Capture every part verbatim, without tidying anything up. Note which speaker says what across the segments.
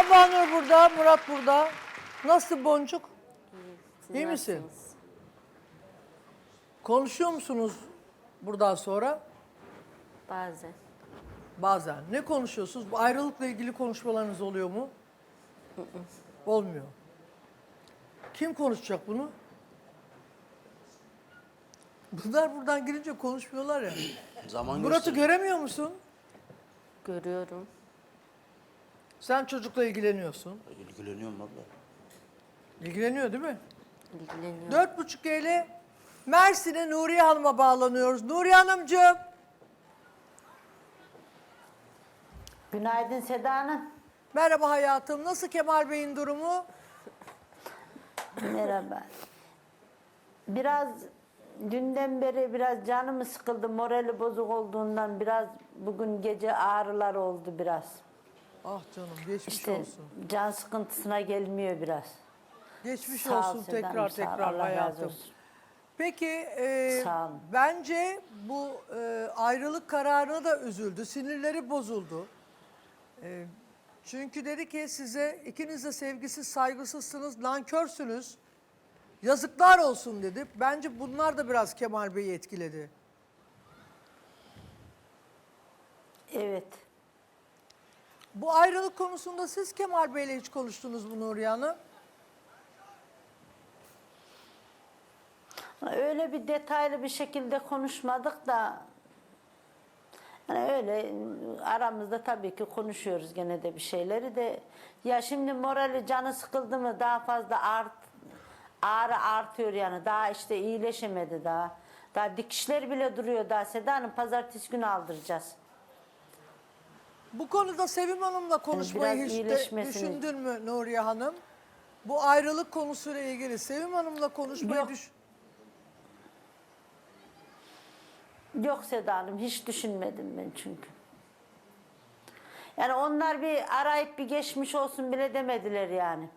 Speaker 1: Havanur burada, Murat burada. Nasıl Boncuk?
Speaker 2: Siz
Speaker 1: İyi misin?
Speaker 2: nasılsınız?
Speaker 1: Konuşuyor musunuz buradan sonra?
Speaker 2: Bazen.
Speaker 1: Bazen. Ne konuşuyorsunuz? Bu ayrılıkla ilgili konuşmalarınız oluyor mu? Olmuyor. Kim konuşacak bunu? Bunlar buradan girince konuşmuyorlar ya.
Speaker 3: Zaman
Speaker 1: Murat'ı
Speaker 3: gösteriyor.
Speaker 1: göremiyor musun?
Speaker 2: Görüyorum.
Speaker 1: Sen çocukla ilgileniyorsun.
Speaker 3: İlgileniyorum abla.
Speaker 1: İlgileniyor değil mi?
Speaker 2: İlgileniyorum.
Speaker 1: Dört buçuk ile Mersin'e Nuriye Hanım'a bağlanıyoruz. Nuriye Hanımcığım.
Speaker 4: Günaydın Seda Hanım.
Speaker 1: Merhaba hayatım. Nasıl Kemal Bey'in durumu?
Speaker 4: Merhaba. Biraz dünden beri biraz canımı sıkıldı. Morali bozuk olduğundan biraz bugün gece ağrılar oldu biraz.
Speaker 1: Ah canım geçmiş
Speaker 4: İşte
Speaker 1: olsun.
Speaker 4: can sıkıntısına gelmiyor biraz.
Speaker 1: Geçmiş
Speaker 4: Sağ ol
Speaker 1: olsun
Speaker 4: Seda
Speaker 1: tekrar
Speaker 4: Hanım, sağ ol.
Speaker 1: tekrar
Speaker 4: Allah razı
Speaker 1: hayatım.
Speaker 4: olsun.
Speaker 1: Peki e,
Speaker 4: Sağ olun.
Speaker 1: bence bu e, ayrılık kararına da üzüldü. Sinirleri bozuldu. E, çünkü dedi ki size ikiniz de sevgisiz, saygısızsınız, nankörsünüz. Yazıklar olsun dedi. Bence bunlar da biraz Kemal Bey'i etkiledi.
Speaker 4: Evet.
Speaker 1: Bu ayrılık konusunda siz Kemal Bey'le hiç konuştunuz mu Nuriye Hanım?
Speaker 4: Öyle bir detaylı bir şekilde konuşmadık da yani öyle aramızda tabii ki konuşuyoruz gene de bir şeyleri de. Ya şimdi morali canı sıkıldı mı daha fazla art, ağrı artıyor yani. Daha işte iyileşemedi daha. Daha dikişler bile duruyor daha. Seda Hanım pazartesi günü aldıracağız.
Speaker 1: Bu konuda Sevim Hanım'la konuşmayı
Speaker 4: biraz
Speaker 1: hiç de
Speaker 4: iyileşmesini-
Speaker 1: düşündün mü Nuriye Hanım? Bu ayrılık konusuyla ilgili Sevim Hanım'la konuşmayı
Speaker 4: Yok.
Speaker 1: düş...
Speaker 4: Yok Seda Hanım hiç düşünmedim ben çünkü. Yani onlar bir arayıp bir geçmiş olsun bile demediler yani.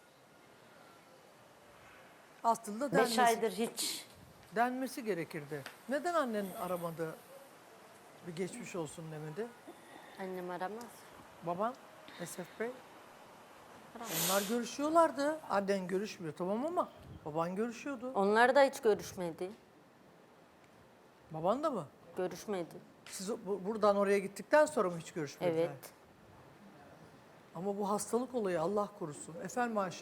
Speaker 1: Aslında
Speaker 4: Beş
Speaker 1: denmesi,
Speaker 4: aydır hiç.
Speaker 1: denmesi gerekirdi. Neden annen aramadı? Bir geçmiş olsun demedi.
Speaker 2: Annem aramaz.
Speaker 1: Baban, Esef Bey. Onlar görüşüyorlardı. Annen görüşmüyor tamam ama baban görüşüyordu.
Speaker 2: Onlar da hiç görüşmedi.
Speaker 1: Baban da mı?
Speaker 2: Görüşmedi.
Speaker 1: Siz bu- buradan oraya gittikten sonra mı hiç görüşmediler?
Speaker 2: Evet.
Speaker 1: Ama bu hastalık olayı Allah korusun. Efendim Ayşe.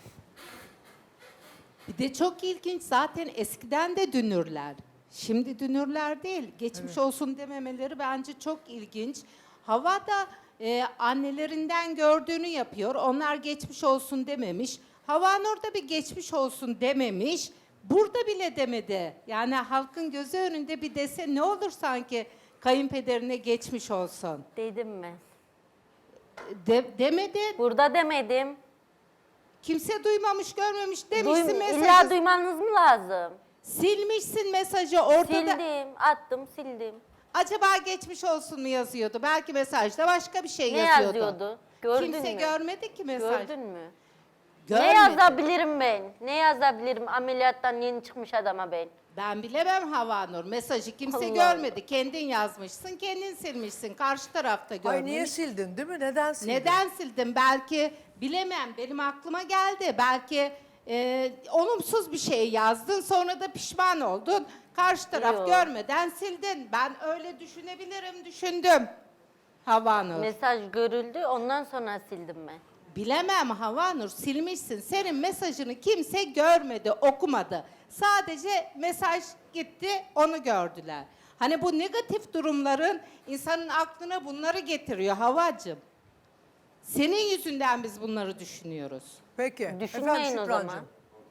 Speaker 5: Bir de çok ilginç zaten eskiden de dünürler. Şimdi dünürler değil. Geçmiş olsun dememeleri bence çok ilginç. Hava da e, annelerinden gördüğünü yapıyor. Onlar geçmiş olsun dememiş. Havanur da bir geçmiş olsun dememiş. Burada bile demedi. Yani halkın gözü önünde bir dese ne olur sanki kayınpederine geçmiş olsun.
Speaker 2: Dedim mi?
Speaker 5: De, demedi.
Speaker 2: Burada demedim.
Speaker 5: Kimse duymamış, görmemiş demişsin
Speaker 2: Duym
Speaker 5: mesajı.
Speaker 2: illa duymanız mı lazım?
Speaker 5: Silmişsin mesajı ortada.
Speaker 2: Sildim, attım, sildim.
Speaker 5: Acaba geçmiş olsun mu yazıyordu? Belki mesajda başka bir şey
Speaker 2: Ne
Speaker 5: yazıyordu.
Speaker 2: yazıyordu? Gördün
Speaker 5: Kimse
Speaker 2: mü?
Speaker 5: görmedi ki mesaj.
Speaker 2: Gördün mü?
Speaker 5: Görmedi.
Speaker 2: Ne yazabilirim ben? Ne yazabilirim ameliyattan yeni çıkmış adama ben?
Speaker 5: Ben bilemem Havanur. Mesajı kimse
Speaker 2: Allah
Speaker 5: görmedi. Kendin yazmışsın, kendin silmişsin. Karşı tarafta görmemiş.
Speaker 1: Ay niye sildin değil mi? Neden sildin?
Speaker 5: Neden sildin? Belki bilemem. Benim aklıma geldi. Belki e, olumsuz bir şey yazdın. Sonra da pişman oldun. Karşı taraf
Speaker 2: Yok.
Speaker 5: görmeden sildin. Ben öyle düşünebilirim, düşündüm. Havanur.
Speaker 2: Mesaj görüldü, ondan sonra sildim ben.
Speaker 5: Bilemem Havanur, silmişsin. Senin mesajını kimse görmedi, okumadı. Sadece mesaj gitti, onu gördüler. Hani bu negatif durumların insanın aklına bunları getiriyor Havacığım. Senin yüzünden biz bunları düşünüyoruz.
Speaker 1: Peki.
Speaker 2: Düşünmeyin
Speaker 1: Efendim
Speaker 2: o
Speaker 1: Şükrancığım.
Speaker 2: zaman.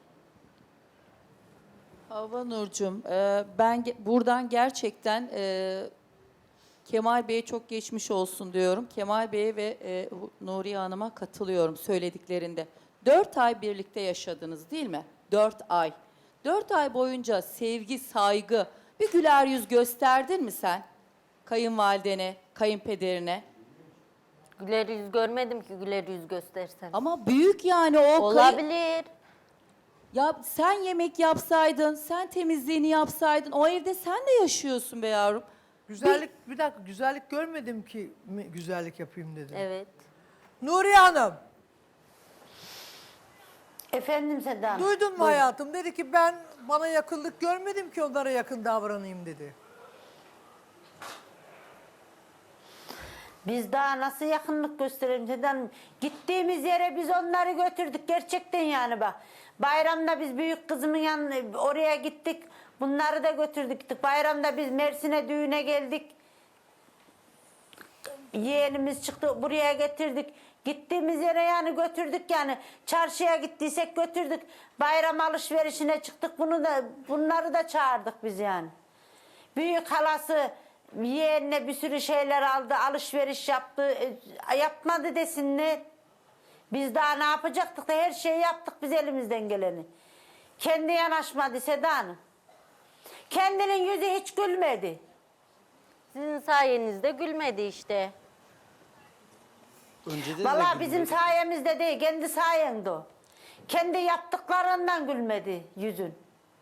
Speaker 6: Hava Nurcuğum, e, ben ge- buradan gerçekten e, Kemal Bey'e çok geçmiş olsun diyorum. Kemal Bey'e ve e, Hu- Nuriye Hanım'a katılıyorum söylediklerinde. Dört ay birlikte yaşadınız değil mi? Dört ay. Dört ay boyunca sevgi, saygı, bir güler yüz gösterdin mi sen? Kayınvalidene, kayınpederine.
Speaker 2: Güler yüz görmedim ki güler yüz göstersem.
Speaker 6: Ama büyük yani o kayın-
Speaker 2: Olabilir.
Speaker 6: Ya sen yemek yapsaydın, sen temizliğini yapsaydın, o evde sen de yaşıyorsun be yavrum.
Speaker 1: Güzellik, bir dakika güzellik görmedim ki mi güzellik yapayım dedim.
Speaker 2: Evet.
Speaker 1: Nuriye Hanım.
Speaker 4: Efendim Seda Hanım.
Speaker 1: Duydun mu hayatım? Dedi ki ben bana yakınlık görmedim ki onlara yakın davranayım dedi.
Speaker 4: Biz daha nasıl yakınlık gösterelim Seda Hanım? Gittiğimiz yere biz onları götürdük gerçekten yani bak. Bayramda biz büyük kızımın yanına oraya gittik. Bunları da götürdük. Gittik. Bayramda biz Mersin'e düğüne geldik. Yeğenimiz çıktı buraya getirdik. Gittiğimiz yere yani götürdük yani. Çarşıya gittiysek götürdük. Bayram alışverişine çıktık. Bunu da bunları da çağırdık biz yani. Büyük halası yeğenine bir sürü şeyler aldı. Alışveriş yaptı. E, yapmadı desinler. Biz daha ne yapacaktık da her şeyi yaptık biz elimizden geleni. Kendi yanaşmadı Seda Hanım. Kendinin yüzü hiç gülmedi.
Speaker 2: Sizin sayenizde gülmedi işte.
Speaker 3: Önceden de
Speaker 4: Vallahi bizim
Speaker 3: gülmüyordu.
Speaker 4: sayemizde değil, kendi sayende o. Kendi yaptıklarından gülmedi yüzün.